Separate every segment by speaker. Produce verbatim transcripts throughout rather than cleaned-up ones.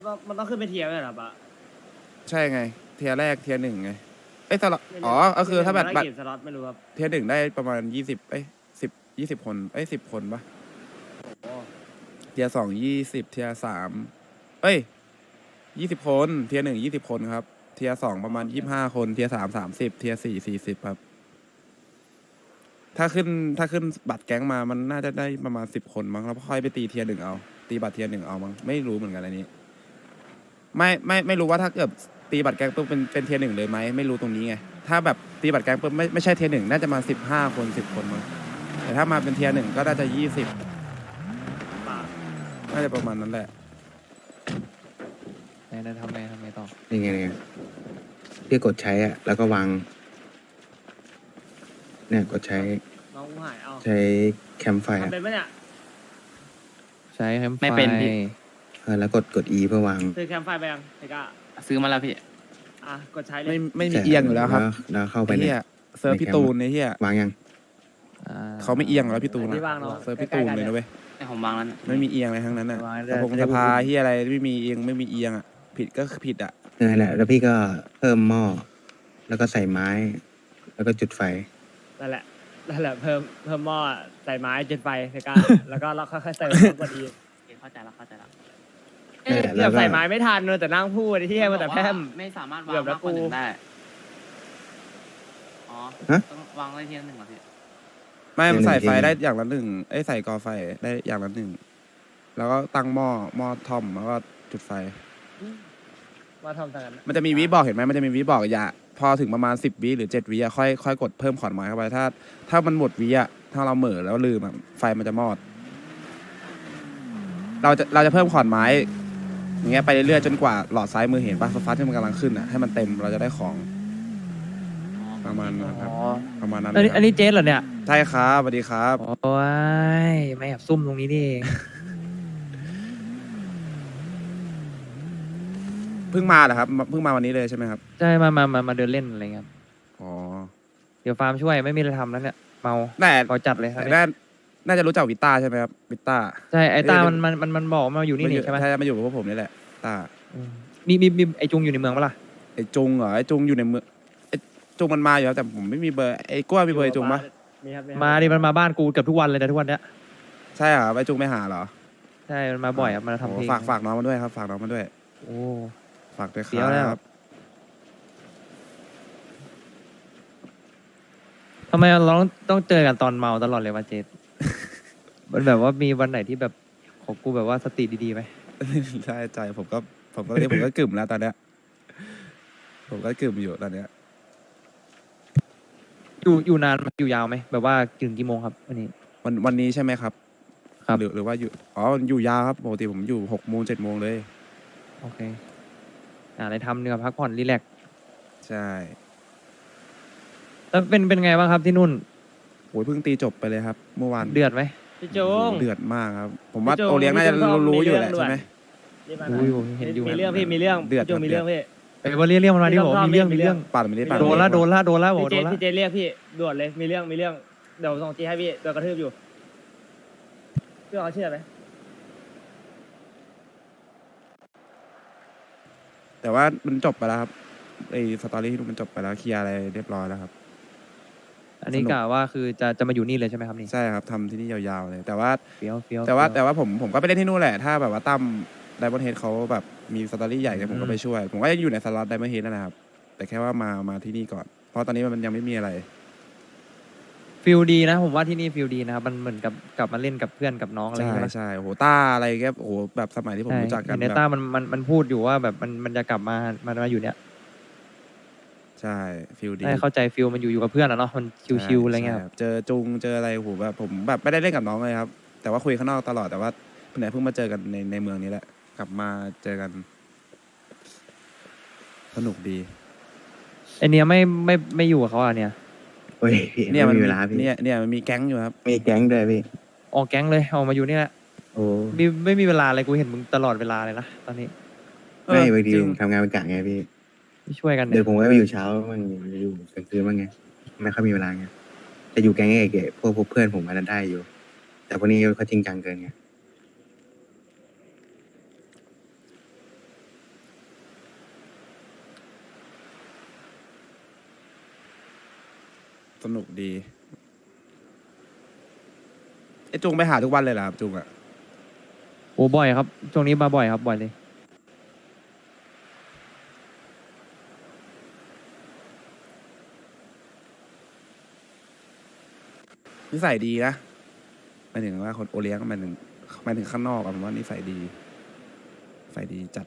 Speaker 1: ก็มันต้องขึ้นไปเทียร์เลยเหรอปะ
Speaker 2: ใช่ไงเทียร์แรกเทียร์หนึ่งไงเอ้ยสล็อต
Speaker 1: เนี่ย
Speaker 2: อ๋อก็คือถ้าแบบ
Speaker 1: ได้
Speaker 2: บัตร
Speaker 1: กี่สล็อตไม่รู้ครับ
Speaker 2: เทียร์หนึ่งได้ประมาณยี่สิบเอ้ยสิบยี่สิบคนเอ้ยสิบคนปะ
Speaker 1: โอ้
Speaker 2: เทียร์สองยี่สิบเทียร์สามเอ้ยยี่สิบคนเทียร์หนึ่งยี่สิบคนครับเทียร์สองประมาณยี่สิบห้าคนเทียร์สามสามสิบเทียร์สี่สี่สิบครับถ้าขึ้นถ้าขึ้นบัตรแก๊งมามันน่าจะได้ประมาณสิบคนมั้งแล้วค่อยไปตีเทียร์หนึ่งเอาตีบัตรเทียร์หนึ่งเอามั้งไม่รู้เหมือนกันอันนี้ไม่ไม่ไม่รู้ว่าถ้าเกิดตีบัตรแก๊งปุ๊บเป็นเป็นเทียร์หนึ่งเลยไหมไม่รู้ตรงนี้ไงถ้าแบบตีบัตรแก๊งปุ๊บไม่ไม่ใช่เทียร์หนึ่งน่าจะมาสิบห้าคนสิบคนมั้งแต่ถ้ามาเป็นเทียร์หนึ่งก็น่าจะยี่สิบ
Speaker 1: ปะ
Speaker 2: น่าจะประมาณนั้นแหละ
Speaker 3: ไหนไหนทำไงทำไงต่อ
Speaker 4: นี่ไงนี่ไงพี่กดใช้อะแล้วก็วางเนี่ยกดใช้
Speaker 1: น้องกูหายเอา
Speaker 4: ใช้แคมไฟ
Speaker 1: ทำ
Speaker 4: อะ
Speaker 1: เป็นปะเนี่ย
Speaker 3: ใช้แคมไฟ
Speaker 5: ไม่เป็นพี่
Speaker 4: เออแล้วกดกด E เพื่อวาง
Speaker 1: ซื้อแคมไฟไปยังเทก้า
Speaker 5: ซื้อมาแล้วพี่
Speaker 1: อ่ะกดใช้เล
Speaker 2: ไม่
Speaker 1: ย
Speaker 2: ไม่มีเอียงอยู่แล้วครับ
Speaker 4: แล้วเข้าไป
Speaker 2: ไอ้
Speaker 4: ใน
Speaker 2: เฮียเซิร์ฟพี่ตูนไอ้เฮียว
Speaker 4: างยัง
Speaker 3: อ่
Speaker 2: เขาไม่เอียงแล้วพี่ตูน
Speaker 1: ที่วางเนาะ
Speaker 2: เซิร์ฟพี่ตูนเลยนะเว้ย
Speaker 5: ให้ผมวางแล้วนะ
Speaker 2: ไม่มีเอียงอะไรทั้งนั้นอ่ะ
Speaker 3: วาง
Speaker 2: ส
Speaker 3: ได้
Speaker 2: ภงสภาเฮียอะไรไม่มีเอียงไม่มีเอียงอ่ะผิดก็คือผิดอ่ะ
Speaker 4: นั่นแหละแล้วพี่ก็เพิ่มหม้อแล้วก็ใส่ไม้ แล้วก็จุดไฟ
Speaker 1: นั่นแหละนั่นแหละเพิ่มเพิ่มหม้อใส่ไม้จุดไฟเทก้า แล้วก็เราค่อยๆเติมกดอี
Speaker 5: โอเคเข้าใจแล้วเข้าใจแล้ว
Speaker 1: เอ๊ะ
Speaker 4: แล้
Speaker 1: เกือ
Speaker 4: ว
Speaker 1: บ
Speaker 4: ก็
Speaker 1: ใส่ไม้ไม่ทันเลยแต่นั่งพูดที่เฮียมาแต่แพร่ม
Speaker 5: ไม่สามารถวา
Speaker 1: เกื
Speaker 5: ง
Speaker 1: อบแล้ว
Speaker 5: มากกว่าหนึ่
Speaker 1: กู
Speaker 5: งได้ อ๋อ
Speaker 4: ฮะ
Speaker 5: ต้องวางไว้ทีละหนึ่งเหรอพี่
Speaker 2: ไม่มันใส่ไฟ
Speaker 4: เทียร์หนึ่ง
Speaker 2: ได้อย่างละหนึ่งไอ้ยใส่กอไฟได้อย่างละหนึ่งแล้วก็ตั้งหม้อหม้อท่อมแล้วก็จุดไฟ
Speaker 1: มาทำทางนั้น
Speaker 2: มันจะมีวิบอกเห็นไหมมันจะมีวิบอกอย่าพอถึงประมาณสิบวิหรือเจ็ดวิอะค่อยค่อยกดเพิ่มขอนไม้เข้าไปถ้า ถ้ามันหมดวิอะถ้าเราเหม่อแล้วลืมอะไฟมันจะมอด เราจะเราจะเพิ่มขอนไม้อย่างเงี้ยไปเรื่อยๆจนกว่าหลอดซ้ายมือเห็นป่ะฟ้าที่มันกำลังขึ้นอ่ะให้มันเต็มเราจะได้ของประมาณนั้นครับ
Speaker 3: อ๋อ
Speaker 2: ประมาณนั้น
Speaker 3: อันนี้
Speaker 2: เลยครับ
Speaker 3: อันนี้เจ๊เหรอเนี่ย
Speaker 2: ใช่ครับสวัสดีครับ
Speaker 3: โอ้ยไม่แอบซุ่มตรงนี้นี่เอง
Speaker 2: เพิ่งมาเหรอครับเพิ่งมาวันนี้เลยใช่ไหมครับ
Speaker 3: ใช่มามามามาเดินเล่นอะไรเงี้ยครับ
Speaker 2: อ๋อ
Speaker 3: เดี๋ยวฟาร์มช่วยไม่มีอะไรทำแล้วเนี่ยเมา
Speaker 2: แต่
Speaker 3: ขอจัดเลยครับ
Speaker 2: น่าน่าจะรู้จักวิต้าใช่ไหมครับวิต้า
Speaker 3: ใช่ไอ้ตา
Speaker 2: เอ้ย
Speaker 3: มันมันมันมันบอกมาอยู่นี่
Speaker 2: มาอ
Speaker 3: นี่
Speaker 2: ยู่
Speaker 3: ใช่ไหม
Speaker 2: ใช่มาอยู่กับพวกผมนี่แหละต้า
Speaker 3: อืมมีมีมีไอ้จุงอยู่ในเมืองปะล่ะ
Speaker 2: ไอ้จุงเหรอไอ้จุงอยู่ในเมืองไอ้จุงมันมาอยู่แล้วแต่ผมไม่มีเบอร์ไอ้กล้วยมีเบอร์ไอ้จุงปะ
Speaker 1: มีครับครับ
Speaker 3: มาดิมันมาบ้านกูเกือบทุกวันเลยนะทุกวันเนี้ย
Speaker 2: ใช่เหรอไอ้จุงไม่หาเหรอ
Speaker 3: ใช่มันมาบ่อยครับมาทำเพลง
Speaker 2: โอ้ฝากฝากน้องมาด้วยครับฝากน้องมาด้วย
Speaker 3: โอ้
Speaker 2: ฝากด้วยค
Speaker 3: เดี๋ยวแล้
Speaker 2: รั
Speaker 3: ว
Speaker 2: บ
Speaker 3: ทำไมเราต้องต้องเจอกันตอนเมาตลอดเลยวะเจษ มันแบบว่ามีวันไหนที่แบบของกูแบบว่าสติดีๆไหม
Speaker 2: ใช่ใจผมก็ผมก็เรียกผมก็กึ่มแล้วตอนเนี้ยผมก็กึ่มอยู่ตอนเนี้ย
Speaker 3: อยู่อยู่นานไหมอยู่ยาวไหมแบบว่าถึงกี่โมงครับวันนี้
Speaker 2: วันวันนี้ใช่ไหมครับ
Speaker 3: ครับ
Speaker 2: หรือหรือว่าอยู่อ๋ออยู่ยาวครับปกติผมอยู่หกโมงเจ็ดโมงเลย
Speaker 3: โอเคอ่าอะไรทำเนี่ยพักผ่อนรีแลกซ์
Speaker 2: ใช่
Speaker 3: แล้วเป็นเป็นไงบ้างครับที่นู่น
Speaker 2: โอ้ยเพิ่งตีจบไปเลยครับ เมื่อวาน
Speaker 3: เดือดไหม
Speaker 1: พี่จุง
Speaker 2: เดือดมากครับ ผมว่า
Speaker 1: พี่จุง
Speaker 2: โอเลี้ยงน่าจะ
Speaker 1: พี่จุง
Speaker 2: รู้อยู่
Speaker 1: มี
Speaker 2: แหละ
Speaker 1: เรื่อง
Speaker 2: ใช่ไหม
Speaker 1: รีบมา
Speaker 3: ดูอยู่เห็นอยู่
Speaker 1: มีเรื่องพี่มีเรื่อง
Speaker 2: เดือด
Speaker 1: พี่จุงมีเรื่องพี่
Speaker 3: ไอ้ยว่าเรียกเรียกมันมาดิ
Speaker 1: มี
Speaker 3: บอก
Speaker 1: เรื่อง
Speaker 3: มีเรื่อง
Speaker 1: มี
Speaker 3: มี
Speaker 1: เรื่
Speaker 3: เรื่
Speaker 1: อ
Speaker 3: อง ง
Speaker 2: ปั่นไม่ได้ปั่น
Speaker 3: โดนละโดนละโดนละบอก
Speaker 1: พี่เจ
Speaker 3: โดนละ
Speaker 1: พี่เจเรียกพี่ด่วนเลยมีเรื่องมีเรื่องเดี๋ยวส่งจีให้พี่โดนกระทืบอยู่พี่เอาเชื่อไหม
Speaker 2: แต่ว่ามันจบไปแล้วครับไอ้สตอรี่ที่นู่นมันจบไปแล้วเคลียร์อะไรเรียบร้อยแล้วครับ
Speaker 3: อันนี้
Speaker 2: สนุก
Speaker 3: กะว่าคือจะจะมาอยู่นี่เลยใช่ไหมครับนี่
Speaker 2: ใช่ครับทำที่นี่ยาวๆเลย แต่ว่า
Speaker 3: เฟี้ยวเฟี้ยว
Speaker 2: แต่ว่า
Speaker 3: เฟี้
Speaker 2: แต่ว่าผมผมก็ไปเล่นที่นู่นแหละ ถ้าแบบว่าตั้มไดมอนเฮดเขาแบบมีสตอรี่ใหญ่เนี่ยผมก็ไปช่วย ผมก็ยังอยู่ในสล็อตไดมอนเฮดนั่นแหละครับ แต่แค่ว่ามามาที่นี่ก่อน เพราะตอนนี้มันยังไม่มีอะไร
Speaker 3: ฟิลดีนะ ผมว่าที่นี่ฟิลดีนะครับมันเหมือนกับกลับมาเล่นกับเพื่อนกับน้องอะไรอ
Speaker 2: ใช่
Speaker 3: ย่างเงี้ย
Speaker 2: ใช่โอ้โหต้าอะไรแกโอ้โหแบบสมัยที่ผม
Speaker 3: ใช่
Speaker 2: รู้จักกัน
Speaker 3: เห็นใน
Speaker 2: แบบ
Speaker 3: ต้ามันมันมันพูดอยู่ว่าแบบมันมันจะกลับมามามาอยู่เนี่ย
Speaker 2: ใช่ฟิลดี
Speaker 3: ได้เข้าใจฟิลมันอยู่อยู่กับเพื่อนอะเนาะมันชิวๆอะไรเงี้ยครับ
Speaker 2: ใช่เจอจุงเจออะไรโอ้โหแบบผมแบบไม่ได้เล่นกับน้องเลยครับ แต่ว่าคุยข้างนอกตลอดแต่ว่าเพิ่งไหนเพิ่งมาเจอกันในในเมืองนี้แหละ กลับมาเจอกัน สนุกดี
Speaker 3: ไอเนี้ยไม่ไม่ไม่อยู่กับเขาอ่ะเนี่ย
Speaker 4: โอ้ยพี่
Speaker 2: เนี่ย
Speaker 4: ไม่
Speaker 2: มัน
Speaker 4: มี
Speaker 2: มี
Speaker 4: เวลาพี่
Speaker 2: เนี่ยเนี่ยมันมีแก๊งอยู่ครับ
Speaker 4: มีแก๊งด้วยพี่
Speaker 3: ออกแก๊งเลยออกมาอยู่นี่แหละ
Speaker 4: โอ้
Speaker 3: ไม่ไม่มีเวลาเลยกูเห็นมึงตลอดเวลาเลยนะตอนนี้
Speaker 4: ไม่
Speaker 2: เออบ
Speaker 4: างที
Speaker 2: จริง
Speaker 4: ผมทำงานเป็นกะไงพี่
Speaker 3: ไม่ช่วยกัน
Speaker 4: เดี๋
Speaker 3: เนี่ย
Speaker 4: วย ผมก็ไปอยู่เช้าบ้างอยู่กลางคืนบ้างไงไม่ค่อยมีเวลาไงแต่อยู่แก๊งเก๋ๆพวกพวกเพื่อนผมมันได้อยู่ แต่พวกนี้เขาจริงจังเกินไง
Speaker 2: สนุกดีไอ้จุงไปหาทุกวันเลยเหรอครับจุงอะ
Speaker 3: โอ้บ่อยครับช่วงนี้มาบ่อยครับบ่อยเลย
Speaker 2: นิสัยดีนะหมายถึงว่าคนโอเลี้ยงหมายถึงหมายถึงข้างนอกอะผมว่านิสัยดีนิสัยดีจัด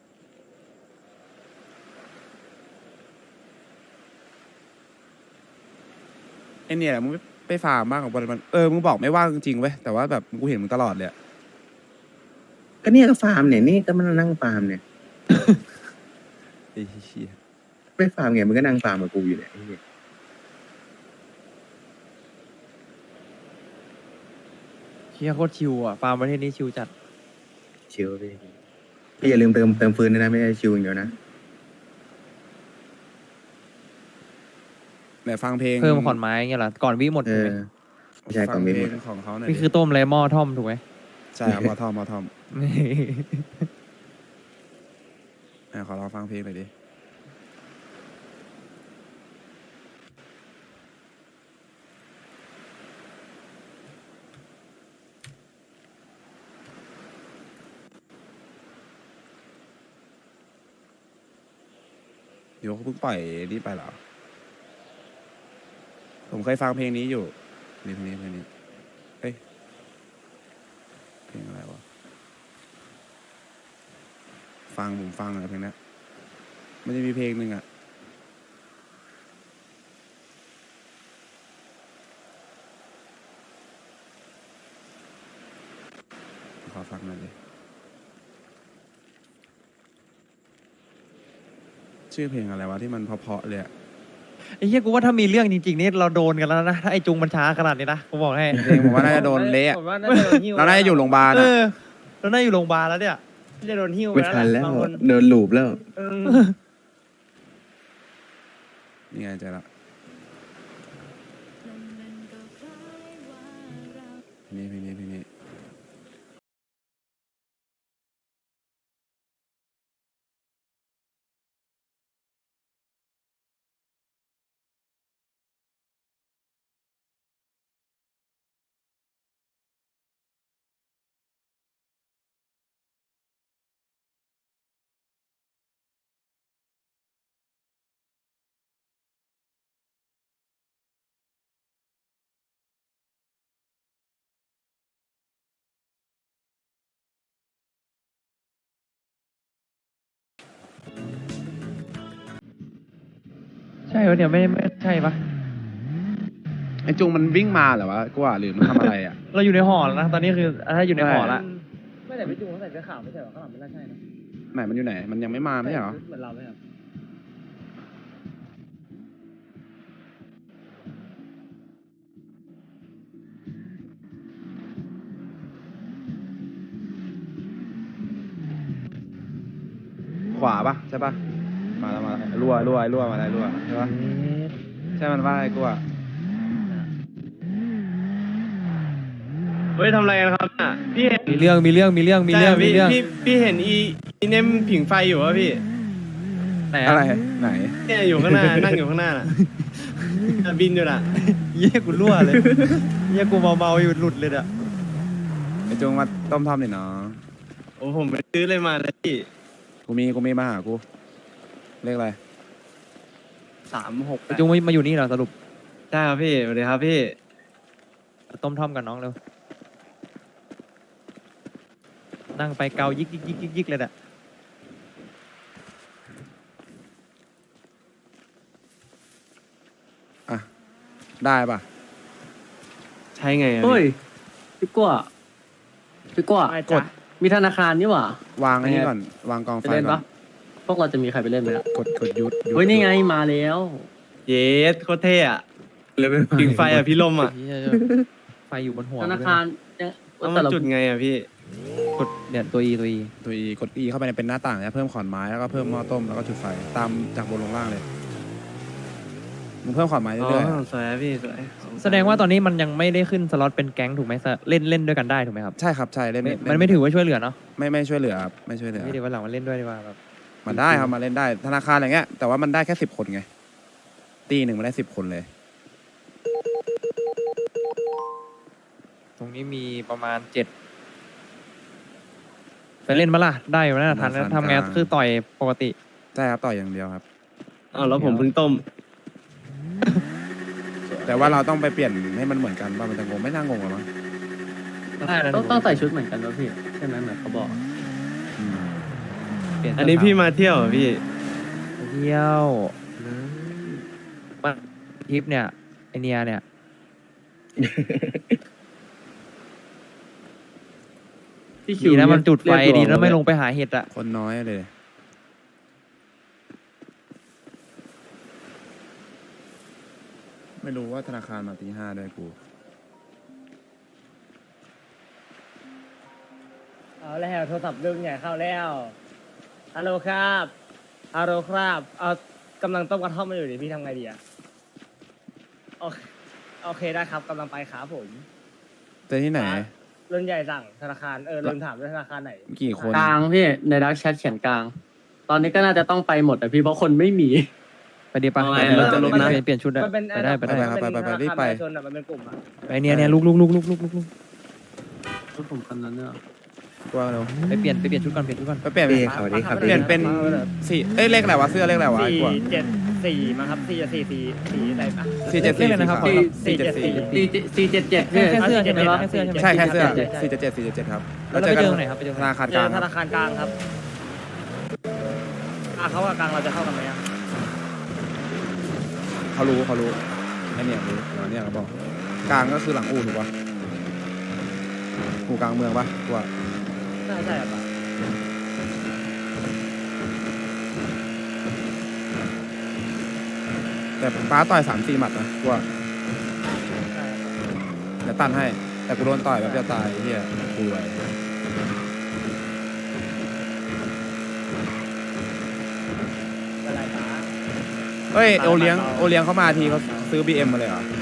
Speaker 2: ไอเนี่ยมึงไม่ไปฟาร์มบ้างของบอลมันเออมึงบอกไม่ว่างจริงๆเว้ยแต่ว่าแบบกูเห็นมึงตลอดเลยอะ
Speaker 4: ก็เนี่ยก็ฟาร์มเนี่ยนี่ก็มานั่งฟาร์มเนี่ย
Speaker 2: ไอ้เหี้ย
Speaker 4: ไม่ฟาร์มไงมึงก็นั่งฟาร์มกับกูอยู่เนี่ยไอ้เหี้ย
Speaker 3: เชียโคตรชิวอ่ะฟาร์มประเทศนี้ชิวจัด
Speaker 4: ชิลพี่พี่อย่าลืมเติมเติมฟืนด้วยนะไม่ใช่ชิลอย่างเดียวนะ
Speaker 2: ไหนฟังเพลง
Speaker 3: เพิ่มขอนไม้เงี้ยเหรอก่อนวิหมด
Speaker 4: เอ
Speaker 3: ถูก
Speaker 4: อ
Speaker 3: ไหม
Speaker 4: ไม่ใช่
Speaker 2: ฟั
Speaker 4: ของ
Speaker 2: ง
Speaker 4: เม
Speaker 2: เพล
Speaker 4: นหม
Speaker 2: ง
Speaker 4: ด
Speaker 2: ของเขาหน่อย
Speaker 3: นี่
Speaker 2: ดิ
Speaker 3: คือต้มไรหม้อท่อมถูกไหม
Speaker 2: ใช่ครับมอทอมมอทอมอ่ะขอลองฟังเพลงหน่อยดิเดี๋ยวเขาเพิ่งปล่อยนี่ไปเหรอผมเคยฟังเพลงนี้อยู่นี่เพลงนี้เพลงนี้เอ้ยเพลงอะไรวะฟังผมฟังอะไรเพลงนี้มันจะมีเพลงหนึ่งอ่ะขอฟังหน่อยดิชื่อเพลงอะไรวะที่มันเพราะๆเลยอะ
Speaker 3: ไอ้เหี้ยกูว่าถ้ามีเรื่องจริงๆนี่เราโดนกันแล้วนะถ้าไอ้จุงมันช้าขนาดนี้นะกูบอกให้
Speaker 2: เพลงผมว่าน่าจะโดนเละ
Speaker 1: ผมว่าน่าจะโดนหิ้ว
Speaker 2: เราน่าจะอยู่โรงพยาบาล
Speaker 3: เอ
Speaker 2: อ่ะ
Speaker 3: อเราน่าอยู่โรงพยาบาลแล้วเนี่ย
Speaker 1: น่าจะโดนหิ้วไป
Speaker 4: ไม่
Speaker 1: แล้ว
Speaker 4: ทัน
Speaker 1: แห
Speaker 4: แล้
Speaker 1: ละ
Speaker 4: ว
Speaker 1: บางคน
Speaker 4: เดินลูปแล้ว
Speaker 1: เออ
Speaker 2: นี่ไงเจอละนี่เพลงนี้เพลงนี้
Speaker 3: ใช่ปะเนี่ยไม่ไม่ใช่ปะ
Speaker 2: ไอ้จุงมันวิ่งมาเหรอวะกูว่าหรือมันทำอะไรอ่ะ
Speaker 3: เราอยู่ในหอแล้วนะตอนนี้คือถ้าอยู่ในหอละ
Speaker 1: ไม่แต่พี่จุงเขาใส่เสื้อขาวไม่ใช่เหรอข้างหลังไม่น่าใช่นะ
Speaker 2: ไหนมันอยู่ไหน มันยังไม่มาไม่ใช่เหรอ
Speaker 1: เหมือนเราไหมครับ
Speaker 2: ขวาปะใช่ปะมาแล้วมาแล้วรั่วรั่วรั่วมาแล้วรั่วใช่ปะใช่มันว่าไอ้กูอ่ะ
Speaker 6: เฮ้ยทำอะไรกันครับน่ะพี่เห็น
Speaker 3: มีเรื่องมีเรื่องมีเรื่องมีเรื่อง
Speaker 6: ใช่
Speaker 3: มี
Speaker 6: พี่
Speaker 3: เรื่อง
Speaker 6: พี่พี่เห็นอีอีเนมผิงไฟอยู่วะพี่
Speaker 3: ไหน
Speaker 2: อะไร
Speaker 3: อะ
Speaker 2: ไหน
Speaker 6: เนี่ยอยู่ข้างหน้า นั่งอยู่ข้างหน้าน่ะน่ะบินอยู่น่ะ
Speaker 3: เยี่ยกูรั่วเลยเยี่ยกูเมาเมาๆอยู่หลุดเลยอะ
Speaker 2: ไอ้จุงมาต้มทำหน่อยเนาะ
Speaker 6: โอ้ผมไปซื้อเลยมาเลยพี่
Speaker 2: กูมีกูมีมาหากูเลขอะไร
Speaker 6: สามหก
Speaker 3: ไอ้จุงมาอยู่นี่เหรอสรุป
Speaker 6: ใช่ครับพี่สวัสดีครับพี่
Speaker 3: ต้มท่อมกับน้องเร็วนั่งไปเกายิกยิกยิกยิกยิกเลยอะ
Speaker 2: อ่ะได้ปะ
Speaker 6: ใช่ไงอะ
Speaker 7: เฮ้ย
Speaker 6: พี่
Speaker 7: พี่กัวพี่กัว
Speaker 1: ไม่
Speaker 2: ก
Speaker 1: จ้ะ
Speaker 2: ด
Speaker 7: มีธนาคารนี่หว่าว
Speaker 2: างอันนี้ก่อนวางกอง
Speaker 7: ไป
Speaker 2: ไฟ
Speaker 7: เล่น
Speaker 2: ก่อ
Speaker 7: ปะ
Speaker 2: น
Speaker 7: พวกเราจะมีใครไปเล่นไหมล่ะ
Speaker 2: กดกดยุดยุด
Speaker 7: เฮ้ยนี่ไงมาแล้ว
Speaker 6: เยสโคตรเท่อะ
Speaker 4: เลยไม่
Speaker 6: ผิงไฟอะพี่ลมอะ
Speaker 3: เหี้ยไฟอยู่บนหัว
Speaker 7: ธนาคารเนี่ย
Speaker 6: เอามา
Speaker 7: แต่ละ
Speaker 6: จุดไงอะพี่
Speaker 3: กดเนี่ยตัวอีตัวอี
Speaker 2: ตัวอีกดอีเข้าไปในเป็นหน้าต่างเนี่ยเพิ่มขอนไม้แล้วก็เพิ่มหม้อต้มแล้วก็จุดไฟตามจากบนลงล่างเลยมึงเพิ่มขอนไม้
Speaker 6: อ๋อ
Speaker 2: เรื่อยๆอะ
Speaker 6: สวยอะพี่สวย
Speaker 3: แสดงว่าตอนนี้มันยังไม่ได้ขึ้นสล็อตเป็นแก๊งถูกไหมเล่นเล่นด้วยกันได้ถูกไหมครับ
Speaker 2: ใช่ครับใช่เล่น
Speaker 3: ไม่
Speaker 2: เล่
Speaker 3: มันไม่ถือว่าช่วยเหลือเนาะ
Speaker 2: ไม่ไม่ช่วยเหลือครับไม่ช่วยเหลือ
Speaker 3: ไม่ดีวันหลังมันเล่นด้วยดีกว่าแบบ
Speaker 2: มันได้ครับมาเล่นได้ธนาคารอะไรเงี้ยแต่ว่ามันได้แค่สิบคนไงตีหนึ่งมันได้สิบคนเลย
Speaker 3: ตรงนี้มีประมาณเจ็ดไปเล่นมาล่ะได้อยู่นะทันทำไงคือต่อยปกติ
Speaker 2: ใช่ครับต่อยอย่างเดียวครับ
Speaker 6: อ้าวแล้วผมเพิ่งต้ม
Speaker 2: แต่ว่าเราต้องไปเปลี่ยนให้มันเหมือนกันว่ามันจะงงไม่น่างงหรอมั้ง
Speaker 3: ได้นะ
Speaker 7: ต้องต้องใส่ชุดเหมือนกันวะพี่ใช่ไหมเหมือนเขาบอก
Speaker 2: อืม
Speaker 3: เปลี่ยน
Speaker 6: อันนี้พี่มาเที่ยวเหรอพี่
Speaker 3: เที่ยวมาทริปเนี่ยไอเนียเนี่ย
Speaker 7: พี่คิ
Speaker 3: ดี
Speaker 7: ว
Speaker 3: นะมันจุดไฟ
Speaker 7: เรียก
Speaker 3: ดี
Speaker 7: ตัว
Speaker 3: แล้วไม่ลงไปหาเห็ดอะ
Speaker 2: คนน้อยเลย ไม่รู้ว่าธนาคารมาตีห้าด้วยกู
Speaker 1: เอาแล้วโทรศัพท์ดึงใหญ่เข้าแล้วฮัลโหลครับฮัลโหลครับเอากำลังต้มกระท่อมมาอยู่ดิพี่ทำไงดีอะโอเคโอเคได้ครับกำลังไปครับผม
Speaker 2: เจอที่ไหน
Speaker 1: รุ่นใหญ่สั่งธนาคารเออลืมถามด้วยธนาคารไหน
Speaker 2: กี่คน
Speaker 7: กลางพี่ในดักแชทเขียนกลาง ตอนนี้ก็น่าจะต้องไปหมดแต่พี่เพราะคนไม่มี
Speaker 3: ไปดีปะ
Speaker 6: เอา
Speaker 3: ไป
Speaker 6: ไง
Speaker 3: ดี
Speaker 6: เราจะลงนะ
Speaker 3: เปลี่ยนเปลี่ยนชุดได้
Speaker 1: มันเป็น
Speaker 3: ไปได้ไปได้
Speaker 2: ไปครับไปไปไปรีบไป
Speaker 1: ชนอะมันเป็นกลุ่มอะ
Speaker 3: ไอเนียเนี่ยลุกลุกลุกลุกลุกลุกลุก
Speaker 7: ชุดผมคันนั้นเนี่ย
Speaker 2: กลัวเร็ว
Speaker 3: ไปเปลี่ยนไปเปลี่ยนชุดก่อนเปลี่ยนชุดก่อน
Speaker 2: ไปเปลี่ยน
Speaker 4: พี่สวัสดีครับ
Speaker 2: เปลี่ยนเป็นสี่เอ้ยเลขอะไรวะเสื้อเลขอะไรวะไอ้
Speaker 1: สี่
Speaker 2: กลัว
Speaker 1: เจ็ดสี่มาครับสี่สี่สี่สี่อะไรปะ
Speaker 2: สี่เจ็ดสี่
Speaker 3: เลขอะไรนะครับ
Speaker 2: สี่
Speaker 1: สี่เจ็ดสี่
Speaker 7: สี่สี่เจ็ดเจ็ดพี่
Speaker 3: แค่เสื้อใช่ไหม
Speaker 1: วะ
Speaker 3: แค่เสื้อใช่ไหม
Speaker 2: ใช่แค่เสื้อ
Speaker 1: ใช่ใช่
Speaker 2: สี่เจ็ดเจ็ดสี่เจ็ดเจ็ดครับ
Speaker 3: แล้วเราไปเจอตรงไหนครับไปเจอต
Speaker 2: ธ
Speaker 3: รงไหน
Speaker 2: นาคาร
Speaker 1: เจ
Speaker 2: กลา
Speaker 1: อง ธ
Speaker 2: ครับ
Speaker 1: นาคารกลางครับอ่ะเขากับกลางเราจะเข้ากันไหมอ่ะ
Speaker 2: เขารู้เขารู้ไอเนี่ยรู้เดี๋ยวเนี่ยเขาบอกกลางก็คือหลังอู่ถูกปะอู่กลางเมืองปะกลัว
Speaker 1: น่าใช่ปะ
Speaker 2: แต่ป้าต่อยสามสี่หมัดนะกลัว
Speaker 1: ใช่ปะ
Speaker 2: เดี๋ยวตันให้ แต่กูโดนต่อยแบบจะตายไอ้เฮียกูไว้
Speaker 1: อะไรปะ
Speaker 2: เฮ้ยโอเลี้ยงโอเลี้ยงเขามาทีเขาซื้อบีเอ็มมาเลยเหรอ